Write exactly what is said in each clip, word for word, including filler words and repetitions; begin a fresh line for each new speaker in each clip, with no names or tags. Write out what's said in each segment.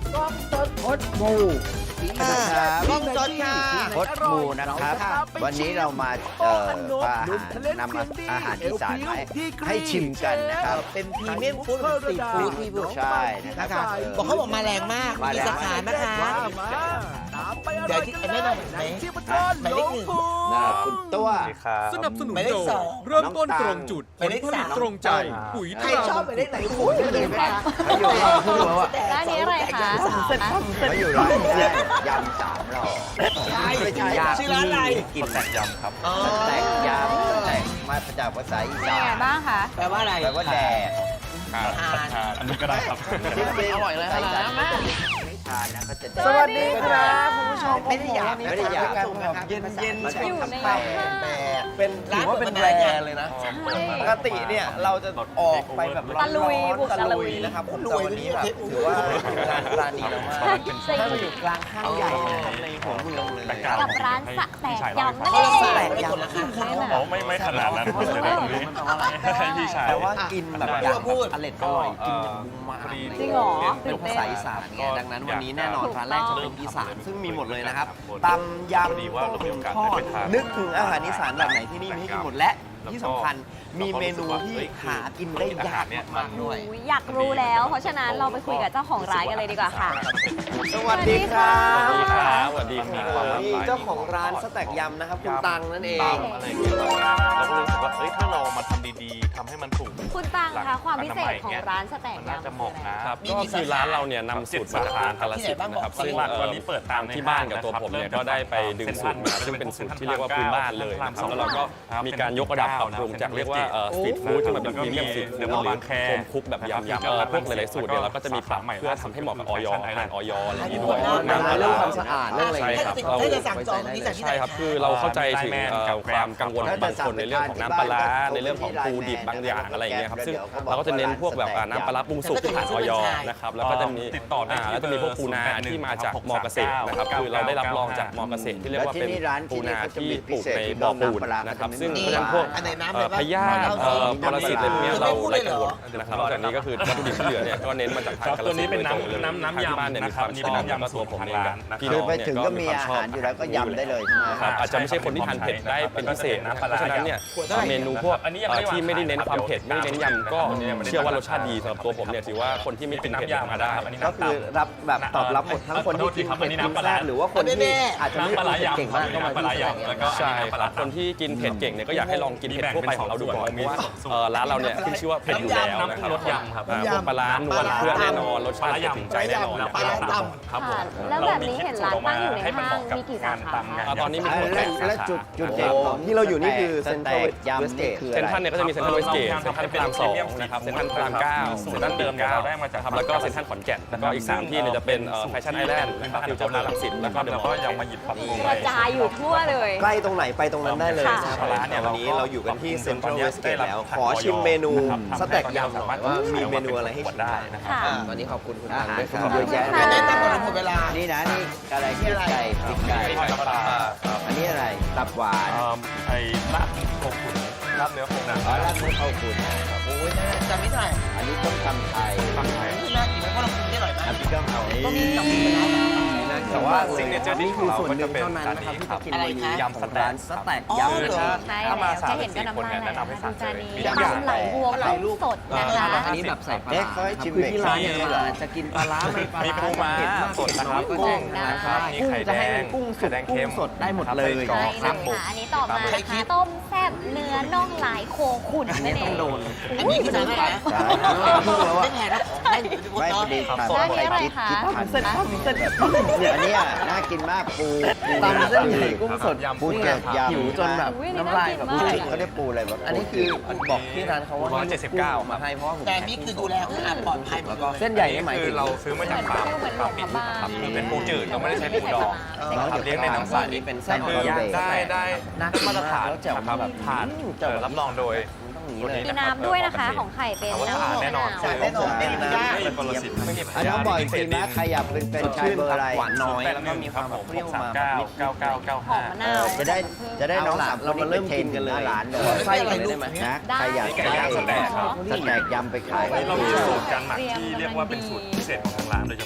กล้องสดพดหมู
นะครับ
กล้องสดค่ะ
พดหมูนะครับ วันนี้เรามาเอ่อพาอาหารนำอาหารอีสานมาให้ชิมกันนะครับ
เป็นพรีเมียมฟู้ดสตรีทฟู้ดที่พูด
ใช่นะ
นะ
ค
คะ
รับ
บอกเขาบอกมาแรงมาก
มา
มี
แรง
สาขาไหมคะ เดี๋ยวที่ไอ้แม่นำไหมหมายเลขหนึ่ง
นะคุณตัว
สนับสนุน
หมายเล
โด
ข
ย
สอง
เริ่มต้นตรงจุด
หมายเลข
ผลผลิต
สาม
ตรงใจ ปุ๋ยต
ใคร
รา
ชอบหมายเลขไหนพูดได้เลยนะคะ
เขาอยู่ร้านเขาอยู่ว่า
ร้านนี้อะไรคะ
เขาอยู่ร้านเนี่ยยำสามหล่อ
ใช่ชื่อร้านอะไร
กินแต่ยำครับ
อ๋อ
แตกยำแตกมาจากภาษาอี
เป็น
สา
ไง
น
บ้างคะ
แปลว่าอะไร
แปลว่าแดด
อันนี้ก็ได้ครับ
อร่อยเลยนะไม่ทานนะก็จะ
สวัสดีครับ
คุณผู้ชมไม่ได้อยากไม่ได้อยาก
เย็นเย็น
อยู่ใน
แปล
ห้าง
เป็นถือว่าเป็นแบรนด์เลยนะ
ใช่
ปกติเนี่ยเราจะออกไปแบบร้อน
ตะลุยบุก
ๆตะ
ตะลุ
ลุ
ย
ยนะครับผมแต่วันนี้แบบถือว่าร้านร้านนี้แล้วมาก
ใช่
ถ้าเราอยู่กลางห้างใหญ่นะครับในหัวเมืองเลย
กับร้านสะแตกยำนั่น
เขา
เอ
ละ
ง
แตกยำนะคะ
อ๋อไม่ไม่ขนาดนั้นเลยนะตรงนี้ให้พี่ชาย
แต่ว่ากินแบบอย่าง
พูด
อร่อยอร่อยกินอย่างมุมมาก
จริงเหรอ
เป็นภาษาอีสานไงดังนั้นวันนี้แน่นอนร้านแรกจะเป็นอีสานซึ่งมีหมดเลยนะครับตำยำต้มถึงทอดนึกถึงอาหารอีสานแบบไหนที่นี่มีให้กินหมดและที่สำคัญมีเมนูที่หากินได้ยากมากๆด้วย
อุ๊ยอยากรู้แล้ว เพราะฉะนั้นเราไปคุยกับเจ้าของร้านกันเลยดีกว่าค่ะ
สวัสดีครับ
สวัสดีครับ
สวัสดีค
นี่
รับ
เจ้าของร้านสแต็กยำนะครับคุณตังนั่นเอง
ตามอะไรอย่างเงี้ยเราก็รู้สึกว่าเฮ้ยถ้าเรามาทำดีๆทำให้มันถูก
คุณตังคะความพิเศษของร้านสแตก
มันน่าย
ำ
จะเหมาะนะ
ครับก็คือร้านเราเนี่ยนำสูตรมาจากทางกาฬสินธุ์นะครับ
ซึ่
ซึ่
ง
ง
ตอนนี้เปิดตาม
ที่บ้านกับตัวผมเนี่ยก็ได้ไปดึงสูตรมาซึ่งเป็นสูตรที่เรียกว่าพื้นบ้านเลยนะครับแล้วเราก็มีการยกระดับปรับปรุงจากเรียกว่าสตรีทฟู้ดที่มันเป็นพรีเมียมสตรีทฟู้ดหรือโฮมคุกแบบยำๆพวกหลายๆสูตรเนี่ยเราก็จะมีปรับเพื่อทำให้เหมาะกับออยอาหารออยอะไรอย่างนี้ด้วย
เรื่องความสะอาดเรื่องอะไร
ใช่ครับ
ถ้าจะสั่งจองตรงนี้จากที่ไหน
ใช่ครับคือเราเข้าใจถึงเอ่อความกังวลของบางคนในเรื่องของน้ำปลาร้าในเรื่องของปูดิบบางอย่างอะไรอย่างเงี้ยครับซึ่งเราก็จะเน้นพวกแบบอ่าน้ำปลาร้าปรุงสุกที่ผ่านออยนะครับแล้วก็จะมี
ติดต่อได้
อ่าแล้วจะมีพวกปูนาที่มาจากมอเกษตรนะครับคือเราได้รับรองจากมอเกษตรที่เรียกว่าเป็นปูนาที่ปลูกในบ่อปูนนะครับซึ่งเพราะฉะนั้นพวก
อันไหนน้ำ
เอ่
เล
อย
ปะ
พยาธิเอ่อปรสิตอะไรพวกเนี้ยเราไร้กังวลนะครับนอกจากนี้ก็คือวัตถุดิบที่เหลือเนี่ยก็เน้นมาจากทางกาฬสินธุ์โดยตรงเลย
น้ำน้ำ
ทางที่
ยำ
บ้านเนี่ยมีความชอบแล้วก็ตัวผมเองกับพี่
คื
น้
อ
อง
ไป
เนี่ย
ถึง
ก็
ก็
มี
มี
ความชอบ
อาหารอยู่แล้วก็ยำได้เลยใช่ไหม
ครับอาจจะไม่ใช่คนที่ทานเผ็ดได้เป็นพิเศษนะครับเพราะฉะนั้นเนี่ยเมนูพวกเอ่อที่ไม่ได้เน้นความเผ็ดไม่ได้เน้นยำก็เชื่อว่ารสชาติดีสำหรับตัวผมเนี่ยถือว่าคนที่ไม่กินเผ็ดเนี่ยมาได้
ก็คือรับแบบตอบรับหมดทั้งคนที่กินเผ็ดกินแซ่บหรือว่าคนที่อาจจะไม่กินเผ็ดเก่งมากก็มาที่สแต็กยำ
ใช่ครับคนที่กินเผ็ดเก่งเนี่ยก็อยากให้ลองกินเผ็ดทั่วไปของเราดูก่อนเพราะว่าเอ่อร้านเราเนี่ยขึ้นชื่อว่าเผ็ดอยู่แล้วนะครับ
รสยำครับ
อ่าพวกปลาร้านวลเครื่องแน่นอนรสชาติถึงใจแน่นอน
ปลาร้าต
ครับผม
ค่ะแล้วแบบนี้เห็นร้านตั้งอยู่ในห้างมีกี่สาขาคะ
อ่าตอนนี้มีทั้งหมด
และ
แปดสา
และ
ขา
จุดจุดเด่นของ
ที่เราอยู่นี่คือ
สแต็กยำนี่คือ
เซ็นทรัล
อะไร
เนี่ยก็จะมีเซ็นทรัลเวสเกตเซ็นทรัลพระรามสองนะครับเซ็นทรัลพระรามเก้าเซ็นทรัลเดิมเก้าครับแล้วก็เซ็นทรัลขอนแก่นแล้วก็อีกสามที่เนี่ยจะเป็นแฟชั่นไอแลนด์นะครับฟิวเจอร์พาร์ครังสิตแล้วก็เดอะมอลล์
ยังมาหยิบปรับปรุง
กระจายอยู่ทั่วเลย
ใกล้ตรงไหนไปตรงนั้นได้เลย
ค่ะ
นะครับ
ร้านเนี่ย
วันนี้เราอยู่กันที่เซ็นทรัลเวสเกตแล้ว ขอ
ได้รับ
ชิมเมนู
ครับ
สแต็กยำหน่อยว่ามีเมนูอะไรให้ชิม
ได้นะครับ
ค่ะ
วันนี้ขอบคุณคุณ
อา
ตัง
หาร
ด้วยค
ครั
รับบ
เยอะแยะ
ค่ะ
ำแนะนำก่อนหมดเวลา
นี่นะนี่อะไรพริกไก่พริกไก่
ธรรมดาครับ
อันนี้อะไรตับหวาน
เอิ่มไอ้ลาบโคขุนลาบเนื้อโคขุน
อ๋อราดมือเข้าคุณ
โอ้ยน่าจำไม่ได้
อันนี้ต้มตำไทย
ตั้งไทย
ที่น่ากินไหมเพราะเรากินได้หน่อยไหม
อันนี้ก็เอา
ก็มีกับมีแล้ว
แต่ว่า
ซิกเนเจอร์ดิชของเราก็จะเป็น
เท่านั้น
จาน
นะครับ
นี้
ที่
ครั
จะ
บ
กิน
อะไร
วัน
คะ
นี้
ยำสแต็ก
สแต็ก
อ๋อ
ยำ
เหรอ
ใช่
ถ้ามา
แล้ว
สาม
จะเห็นก็
สี่คน
น้ำ
เนี่
ลาย ยไหล
แนะนำให้
นะ
สั่
ดู
ง
จาน
เลย
นี้
มี
ยำไหลบัวกุ้งสดนะคะ
อันนี้แบบใส่ปลา
เอ๊ะ
ร้า
เขาให้ชิม
คือ
เบรก
ที่ร้านเนี่ย
มี
เราอาจจะกินปลาร้าไม่ปลา
มี
ร้า
ปูม้า
เผ็ดมาก
สดนะครับ
เผ็ด
กุ้
น้อย
ง
กุ้ง
นะคะ
มี
กุ้ง
ไข่
จะ
แด
ให้
ง
เป็นกุ้งสุก
ไข่แดง
กุ้
เค็
ง
ม
สดได้หมดเลย
ใช่เลยค่ะอันนี้ต่อมานะคะต้มแซ่บเนื้อน่องลายโคขุน
อัน
นั่
นี้
นเอ
ต้อง
ง
โดน
อันนี้คือจานเท่าไหร่นะ
ใช่
ไม่แพงนะของได้อยู่ที่บน
ไม่
โต๊ะ
พอดีครับ
ร้านนี้อะไรคะ
คิดทัน
เส้นข้าวเส้น
เนี่ยอันเนี้ยน่ากินมากปูปู
ตำเส้นใหญ่กุ้งสด
ปูเกล็ดยำ
หิวจนแบบ
อุ๊ยนี่
น้ำลายแบบ
น่ากินมาก
เขาได้ปูอะไรแบบ
อันนี้คือบอกที่ร้านเขาว่า
ร้อยเจ็ดสิบเก้า
มาให้เพราะว่าผม
แต่นี่คือดูแลสะอาดปลอดภัยหมดเลย
เส้นใหญ่นี่หมาย
คื
ถึ
อง เราซื้อมาจากฟาร์ม
เหมือน
ฟาร์มปิด
หมูบ้าน
ครับคือเป็นปูจืดเราไม่ได้ใช้ปูดอง
เดี๋ยว
ครับเลี้ยงในน้ำใส
นี่เป็นไส้
คือ
ย่าง
ได้ได้
น่ากิน
มาตรฐาน
แล้วแจ่ว
ครับ
แบบ
ผ่าน
แจ่ว
เอ่อรับรองโดย
ต้องอย่างนี้เลย
มีน้ำด้วยนะคะของไข่เป็น
แต่ว่า
น้ำ
สะอาดแน่นอน
สะอาดแน่นอนไม่มียาก
ไม่มีปรสิตไม่มี
อันน้องบอกอีกทีนะใครอยากเป็นเป็นชายเบอร์อะไร
หวานน้อย
แปด
แล้ว
ห
ก็
นึ่ง
มี
ค
ควา
รับ
ม
ผ
แบบ
ม
เปรี้ยว
สาม
มา
เก้าเก้าเก้าเก้า
หอ
ห้าม
มะนาว
จะได้จะได้น้องสาม
เรามาเริ่ม
เท
กิ
น
นกันเลย
หน้าร้านเลย
ไส้เลยได้ไหม
นะ
ได้
ใครอยาก
ไก่ย่างสแต็กครับ
สแต็กยำไปขาย
เรามีสูตรการหมักที่เรียกว่าเป็นสูตรพิเศษของทางร้านโดยเฉพาะ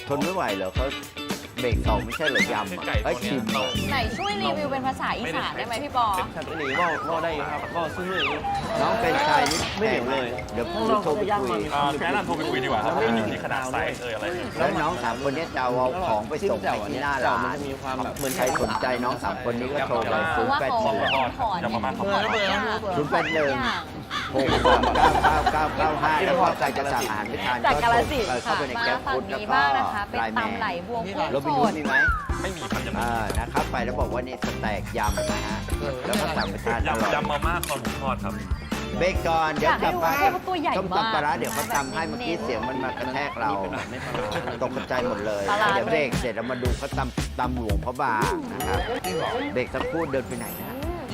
ทนไม่ไหวเหรอเขาเบรกสองไม่ใช่เหรอยำอ่ะไอ้ยชิมอ่ะ
ไหนช่วยรีวิวเป็นภาษาอีสานได้ไหมพี่ปอ
ครับอันนี้ก็ก็ได้ครับก็ซื้อเลย
น้องเป็นชายนี่
ไม่เหนียวเลย
เดี๋ยวพี่โทรไปคุย
อ่าแนะนำโทรไปคุยดีกว่าครับไม่มีขนาดไซส์เอออะไร
แล้วน้องสามคนนี้จะเอาของไปส่งไปที่หน้าร้าน
มีความแบบเหมือน
ใครสนใจน้องสามคนนี้ก็โทรไป
เพ
ศู
ราะ
นย์
ว่า
แปด
เขา
หนึ่ง
ถอน
จะประมาณ
ถอนทุกอย่าง
ศูนย์แปดหนึ่ง หกสามเก้าเก้าเก้าเก้าห้าแล้วก็ใครจะสั่งอาหารไปทาน
จาก
ก็
กาลสินธุ์
เข้า
ค่ะ
ไปใน
มา
แก๊ป
ฝั่
ฟู้
ง
ดแล้ว
นี้
ก็
บ้างนะคะเป็น
ไลน์แม
ตำไหล
น
บวงกุ้ง
โรบิน
ส
ฮูด
ด
มีไหม
ไม่มีครับจะมี
อ่านะครับไปแล้วบอกว่านี่สแต็กยำนะฮะแล้วก็สั่งไปทานอร่อย
ยำยำมาม่าคอหมูทอดครับ
เบรกก่อนเดี๋ยวกลับมา
อยากให้ดูว่าตัวใหญ่มาก
ต้มตำปลาร้าเดี๋ยวเขาทำให้เมื่อกี้เสียงมันมากระแทกเราตกใจหมดเลย
ปลาร้า
เดี๋ยวเบรกเสร็จเรามาดูเขาตำตำหลวงพระบางนะครับเบรกสักครู่เดินไปไหนนะ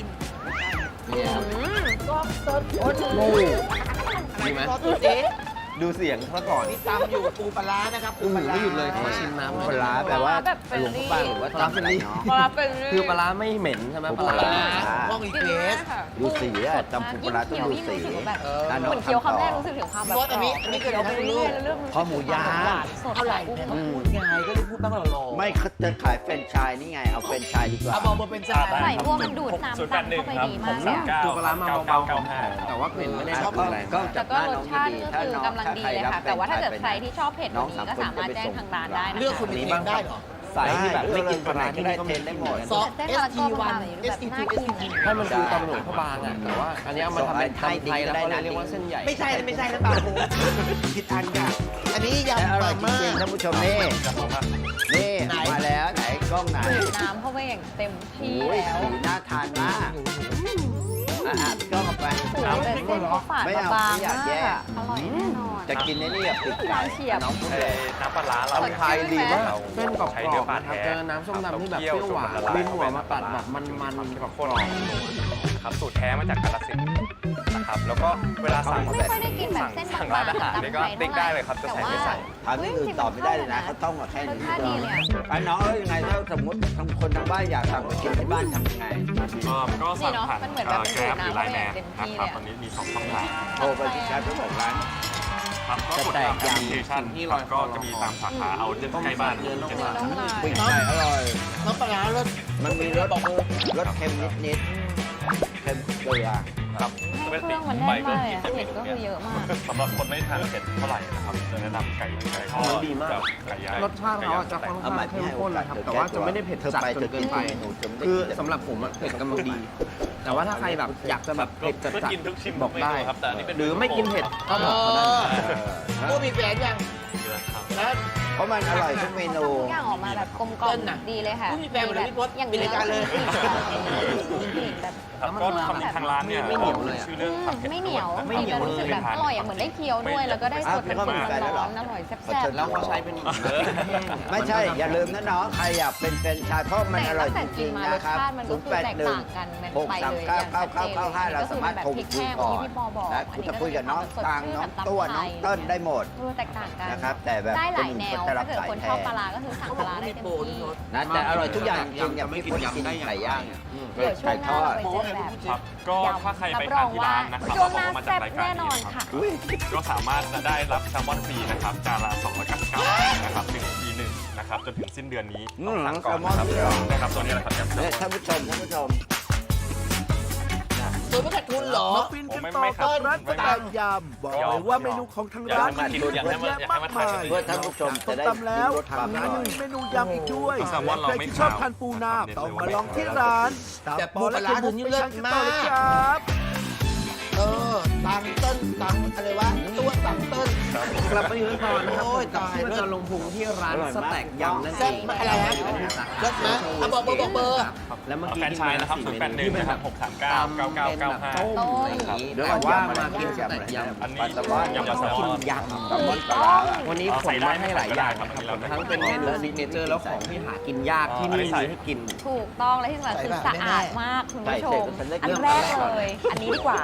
ดีไหมดูเสียงเขาก่อน
ตำอยู่ปูปลาร้านะครับปู
อืม
ปลาร้า
ไม่หยุดเลยขอชิมน้ำ
ปลาร้าแปลว่า
แบบเฟร
หล
น
วงพ
ลี่
ระบางหรือว่าตำอะไรเนาะ
ปลาเป็น
คือปลาร้าไม่เหม็นใช่ไหมปลาร้า
ห้องอี
กิน
เก
ง่าย
ส
ค่ะ
ดูสีอะตำปูปลาร้าต้องดูสี
ยิ่งเคี้ยวยิ่งรู้สึกแบบ
เออ
อ่ะ
เห
น้อง
มือนเคี้ยว
ทำต่อ
คำแรกรู้สึกถึงความแบบ
ซอสอันนี้อันนี้คือ
เคี้ยวไปเรื่อยๆแล้วเริ่มรู้สึก
ข้อหมูย่าง
หวานสด
เท่าไหร่
กุ้ง
เนี่ยพูดไงก็เลยพูดบ้างหล่อๆ
ไม่เขาจะขายแฟรนไชส์นี่ไงเอาแฟรนไชส์ดีกว่า
เอาบอกมาเป็นจาน
ไหลบัวมันดูดน้ำตำเข้าไปดีมากเลยอะ
คือปลาร้ามาเบาๆแต่ว่าเผ็ดไม่ได้ชอบอะไร
ก็
แต่
จับ
ก็
หน้าร น้
ส
อง
ชาติ
ดี
ก็
ๆถ้า
คือ
น้อง
กำลัง
ถ้า
ดี
ใคร
เลย
รับ
ค่ะ
แฟร
แต่
น
ว่า
ไช
ถ้าเกิด
ส์
ใครที่ชอบเผ็ดกว่านี้ก็สามารถแจ้งทางร้านได้นะ
เลือก
คะ
คุณ
นี้
นี้
บ้า
บ้าง ง
ค
ได้
รับ
เหรอ
สายที่แบบไม่กินปลาร้า
ก็
ที่
ได้
นี่ก็
เท
มี
นได้หมด
ซอส
เส้น
เอ
มะ
ส
ละก
ที
อ
วัน
แบบ
เอสที
น่า
ทูเอส
กิน
ที
อะ
ให้มันดูตำหลวงพระบางอ่ะแต่ว่าอันนี้เอามาทำเป็นตำไทยแล้วก็เลยเรียกว่าเส้นใหญ่
ไม่ใช่ไม่ใช่นะตาโหผิดอันค่ะอันนี้
แต่
ยำ
อ
ป
ร่อ
ลาย
จ
ม่า
ริงๆท่านผู้ชมนี่นี่
ไหน
มาแล้วไหนกล้องไหน
ดูดน้ำเข้าไปอย่างเต็มที่
โอ้ย
แล้ว
สีน่าทานมากอ่ะอ่ะกล้องเอาไป
โอ้โหแต่เส้นเขาฝาด
ไม่เอา
บาง
ไม่อยาก
มาก
แยก
อะอร่อยแน่นอน
จะกินในนี่กับปิด
ที่ร้านเฉียบ
น้องพูด
เอ่
เลย
อน้ำปลาร้าเรา
สดชื่นไหม
เส้นกรอบ
ใช้
ๆ
เนื้อปลา
นะครับ
แท้
เจอน้ำส้มตำที่แบบเปรี้ยวหวานบินหัวมาตัดแบบมันๆกรอบ
ครับสูตรแท้มาจากกาฬสินธุ์นะครับแล้วก็เวลาสั่ง
ไม่ค่อยได้กินแบบเส้น
สั่ง
บา
ร้าง น
ๆ
อาหารนี่ก็
ตำไทย
ติ๊กได้เลยครับจะ
แต่
ใส่
ว่า
ไม่ใส่
ถามที่อื่นตอบไม่ได้เลยนะเขาต้องมาแค่
รส
นี้
ชาติดีเลยอะ
ไอ้น้องเอ้ยยังไงถ้าสมมติทางคนทางบ้านอยากสั่งไปกินที่บ้านทำยังไง
ก็ก็สั่ง
นี่เนอะ
ผ่าน
มันเหมือนแบบเป็น
แกร็บห
สู
รื
ต
อ
ร
ไลน์แม
น้ำ
น
เต็ม
นะ
ที่
ครับ
เลยอะ
ตอนนี้มีสองช่องทาง
โทรไปที่แกร็บเจ้าของร้าน
ครับก็กดตามแอปพลิเคชันครับก็จะมีตามสาขาเอาใกล้บ้านเจ็ดสาขา
น้องลาย
ปิ้งไก่อร่อย
น้ำปลาร้ารส
มันมีรสรสเค็มนิดๆเค็มเกลือ
ครับ
ให้เครื่องมันแน่นมากเลยอะเผ็ดก็คือเยอะมาก
สำหรับคนไม่ทานเผ็ดเท่าไหร่นะครับจะแนะนำไก่ไก่ทอ
มัน
ด
ดีมาก
แบบไก่ย่าง
รสชาติเขาอะจะค่อนข้างเข้มข้นนะครับแต่ว่าจะไม่ได้เผ็ดจัดจนเกินไป คือสำหรับผมอะเผ็ดกำลังดี แต่ว่าถ้าใครแบบอยากจะแบบเผ็ดจัด
ก็
จัด
กินทุกชิม
บอกได้
เมนูครับแต่อันนี้เป็น
หรือไม่กินเผ็ดก็บอกเขาได้
กูมีแฟนยังแล้ว
เพราะมันอร่อยทุกเมนู
ทุกอย่างออกมาแบบกลมกล่อ
เติ้
ม
ลน่ะ
ดีเลยค่ะ
ไม่มีแฟนเหมือนพี่พศ
อย่าง
มีรายการเลย
มีกลิ่นแบบ
ครับก็ทำทางร้านเนี่ย
ไม่เหนียวเลยอะ
ชื่อเรื่องผัดเผ็ด
ไม่เหนียว
ไม่เหนียว
รู้สึกแบบอร่อยอะเหมือนได้เคี้ยวด้วย แล้วก็ได้สดเป็นร้อนๆอร่อยแซ่บๆ
แล้วเขาใช้เป็น
ไม่ใช่ อย่าลืมนะน้อง ใครอยากเป็นแฟรนไชส์เพราะมันอร่อยจริงๆนะครับ
มันก็คือแตกต่างกัน
หกสามเก้าเก้าเก้าเก้าห้าเราสามารถโทรคุยก่อนและคุณจะคุยกับน้องตังน้องตัวน้องเติ้ลได้หมด
เออแตกต่างกัน
นะครับ แต่แบบ
ได้หลายแนว
จะรั
ถ้า
บ
เกิด
สาย
คน
แท
ชอบ
น
ปลาร้าก็คือสั่งปลาร้าได้เต็มที่
นะแต่อร่อยทุกอย่างจริงๆอย่างพี่พศกินไก่ย่าง
เดี๋ยวช่ว
ไก่
งห
ท
น้า
อ
เรา
ด
ไปเจอแบบ
ครับก็ถ้าใครไปทานที่ร้านนะครับ
ช่วงห
แล้ว
น้า
บอกว่ามา
แซ่
จาก
บ
รายการ
แน่น
นี้
อน
นะครั
ค่ะ
บก็สามารถจะได้รับแซลมอนฟรีนะครับจานละสองร้อยเก้าสิบเก้าบาทนะครับหนึ่งปีหนึ่งนะครับจนถึงสิ้นเดือนนี้ต้องสั่งก่อนนะครับนะครับตัวนี้แหละครับแอม
เนี่ยท่านผู้ชมท่านผู้ชม
ตัวไม่ขาดทุนเหรอ
มาฟินกันต่อกับร้านสไตล์ยำบอกเลยว่าเมนูของทางร้านมีเยอะแยะมากมาย
เพื่อท่านผู้ชมจะได้
ตำแล้ว
รสชา
ทาง
ติอ
ร้าน
ร่
ยั
อง ย
มีเมนูยำอีกด้วย
แซลมอนเรา
ใคร
ไม่
ที่ชอบ
ขาว
ทานปูนา
นะครับ
ต้องมาลองที่ร้านตาม
แต่
ป
ปู
อ
ป
และ
ลาร้า
เค็มบุก
นี่
ไป
เลิศ
ทานกันต่อเลย
มาก
ครับ
เออตังเติ้ลตังอะไรวะตัวตังเติ้ล
กลับไปยืนก่อนนะครับ
โอ้ย
กับ
ตาย
ที่เราจะลงพุงที่ร้านสแต็กยำนั่นเอ
แซ่บ
ง
มากอะไรฮะรสนะเอาบอกเบอร์บอกเบอร์
แล้วเมื่อกี้
แฟรนไชส์นะครับศูนย์แปดหนึ่งนะครับหกสามเก้าเก้าเก้าเก้าห้า
ต้มอะไรอย่างนี้แต่ว่ามากินสแต็กยำ
อันนี้
ปลาสวาย
ยำปลาแซลมอน
ยำ
แซลมอนปลาร้า
วันนี้ผมมาให้หลายอย่างครับทั้งเป็นเมนูซิกเนเจอร์แล้วของที่หากินยากที่นี่มีให้กิน
ถูกต้องและที่สำคัญคือสะอาดมากคุณผู้ชม
ใส่เสร็จแล้วฉันได้
อันแรกเลย อันนี้ดีกว่า
อ่ะ
เป็น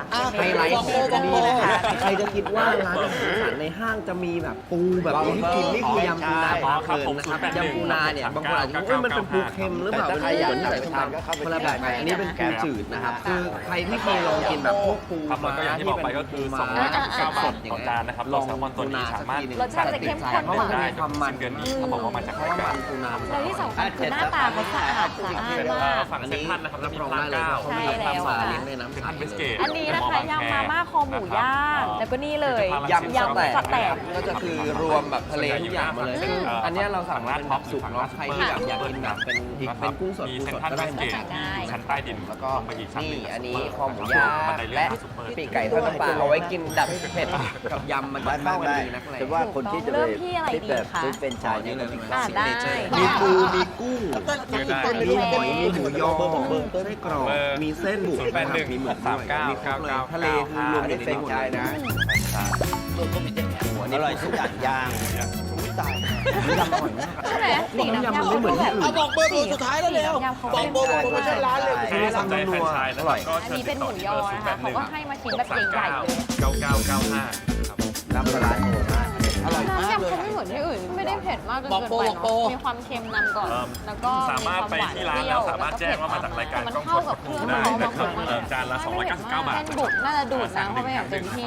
ไฮไลท์ของที่นี่นะคะใครจะคิดว่าร้านอาหารอีสานในห้างจะมีแบบปูแบบนี้ให้กินนี่คือยำปูนาปลาเคินนะครับยำปูนาเนี่ยบางคนอาจจะคิดว่ามันเป็นปูเค็มหรือเปล่าเป็นปูเหมือนที่ใส่ส้มตำคนละแบบกันอันนี้เป็นปูจืดนะครับคือใครที่เคยลองกินแบบพวกปู
ครับแล้วก็อย่างที่บอกไปก็คือสองร้อยเก้าสิบเก้าบาทต่อจานนะครับตัวแซลมอนตัวนี้สามารถ
รสชาติจะเข้มข้น
เพราะ
ก
ว่า
ว่า
มันมีความมัน
เดือนนี้เขาบอกว่ามาจาก
เพราะว่ามันปูนา
แล้วที่สำคัญคือหน้าตาเขาสะอาดสะอาดมาก
ฝั่งเซ็นทรัลนะครับ
รั
จะ
บ
มี
รอง
พลา
ได้เลย
เก้า
เขาไม่
ใช่
ได้
แล้ว
ทำมา
ค่ะ
เลี้ยงในน้ำ
เซ็น
ใส
ทรัลเวสเกต
อันนี้นะคะยำมาม่าคอหมูย่าง แล้วก็นี่เลย
ยำ
ยำ
ส
ส
แต็
แต็
ก
ก
ก็จะคือรวมแบบทะเลทุกอย่างมาเลยซึ่งอันเนี้ยเราสั่งมาเป็นแบบสุกเนาะใครที่แบบอยากกินแบบเป็นเป็นกุ้งสด
มี
ปู
เซ็
ส
น
ด
ทรัล
ก็
เว
ได้
ส
หม
เก
ด
ตชั้นใต้ดิน
แล้วก็
ลงไปอีกชั้นห
นี่
นึ่ง
อันนี้คอหมูย่างและปีกไก่ทอดน้ำปลาเอาไว้กินดับเผ็ดกับยำมันจะ
ไม่
เข้า
ไม่
กัน
ไม่
ดีนักเลย
แต่ว่าคนที่จะ
เริ่
ไป
มที่อะไร
ที่
ดี
แบบ
คะ
ซื้อเป็นชายเนี่ยก็มี
อ่าได้
มีปูมีกุ้ง
ต้นต้นต้น
มีหอยมีหมูยอ
เบอร์บอกเบอร์
ไส้กรอกมีเส้นบุก
ศูนย์แปดหนึ่ง
มีหมึก
สามเก้า
มีครบเลยทะเลคือรวมอยู่ใน
เป็น
นี้หมด
ชาย
เลย
นะ
ตัวก็มีเจ็ดแถว
หัว
อ
นี่
ร่อยทุกอย่างย่าง
ตาย
ยำอร่อยมาก
ใช่ไหมสีน้ำยำ
มันไม่เหมือนที่อื่น
เอาบอกเบอร์ตัวสุดท้ายแล้วเร็วบอกเบอร์โปรโมชั่นร้านเลย
ใครสนใจแฟรนไชส์นะครับก็
อัน
เชิญ
นี้
ติ
เป็
ด
นห
ต่อ
มู
ที่
ย
เบ
อ
อร์ศูนย์
นะ
แป
คะ
ดห
เขา
นึ่ง
ก็ให้มาชิ้นแบบใหญ่ๆเลย
เก้าเก้าเก้าห้าครับ
น้ำปลาร้าหมูมาก
อร่อยมาก
น้ำ
เลย
ยำเขาไม่เหมือนที่อื่น ไม่ได้เผ็ดมากจน
บอก
เกิน
โปร
ไป
บอกโปร
เนาะมีความเค็มนำก่อน
เอิ่ม
แล้วก็
สามารถไปที่ร้านแล้วสามารถแจ้งว่ามาจากรายการ
มัน
กล้อง
เข้า
ส
กับ
ด
เครื่อง
ได้
เขา
นะครับ
มาก
เอ่อจานละสองร้อยเก้าสิบเก้าบาท
แป้งบุกน่าจะดูดน้ำเข้าไปอย่างเต็มที่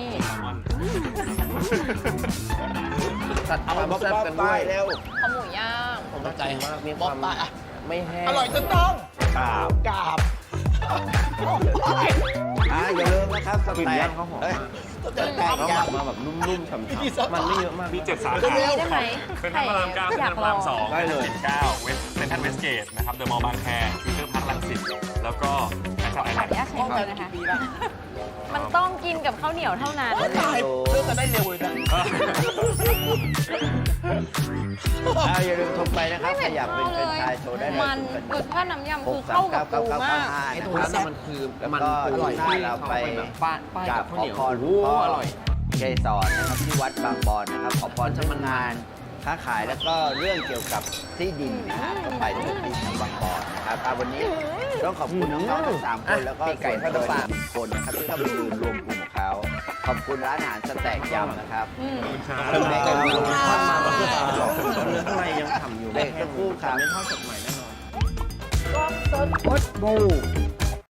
ตัดความแซ่บกันด้วย
แล้ว
ข้าวหมูย่าง
ผมเข้าใจมากมีความ
บอกไปอ่ะ
ไม่แห้ง
อร่อยจนต้อง
กราบ
กราบ
อ่าอย่าลืมนะครับส
กลิ่น
แต็
ย่าก งเขาหอม
เอ้ย
มาก
สแต็ก
เขา
ย่าง
มาแบบนุ่มๆฉ่ำๆมันไม่เยอะมาก
มีเจ็ดสา
ก็
ขา
มีได้ไหม
เป็นทรัลพระรามเก้า
อ
เซ็น
ยา
ทรั
ก
ลพ
ล
ระ
อ
ราม
ง
สอง
ได้เลย
เซ็นเก้าเวสเซ็นทรัลเวสเกตนะครับเดอะมอลล์บางแคฟิวเจอร์พาร์ครังสิตแล้วก็แฟชั่นไอ
ข
แล
อน อนุญาตใช้มือนะคะ
ปีละ
มันต้องกินกับข้าวเหนียวเท่านั้น
ตายเลือกกันได้เร็วเลยนะ
อ่าอย่าลืมโทรไปนะครับใครอยากเป็นเป็นชายโทรได้เลย
มันรสชาติน้ำยำคือ
สา
เข้าม กับ
เก้า
ปู
เก้าเก้าม
าก
ห้า
ไอ้
นะ
ตรง
ค
นั้
รับ
นน่ะมันคือ
แล้ว
มัน
ก็
ปู
หน้า
ที่
เรา
เขา
ไป
ไปแบบป้ายป้าย
กรา
กั
บบ
ข้าว
ขอ
เหนียว
พร
โอ้
พ่อ
อร่อย
เกสรนะครับที่วัดบางบอนนะครับขอพรเรื่องงานค้าขายแล้วก็เรื่องเกี่ยวกับที่ดินนะฮะก็ไปที่ดินบางบอนนะครับอ่าวันนี้ต้องขอบคุณน้องๆทั้งสามคนแล้วก็
ปีกไก่ทอดน้ำปลา
หนึ่งคนนะครับที่เข้าไปยืนรวมกลุ่มของเขาขอบคุณร้านอาหารสแต็กยำนะครับ
อืม
คุณแม่ก็มี
ทอดมาแบบเนื้อข้างในยังฉ่ำอยู่
เด็กตะกู้ครับ
ไม่ทอดสดใหม่แน่นอน
ก็สดพดบู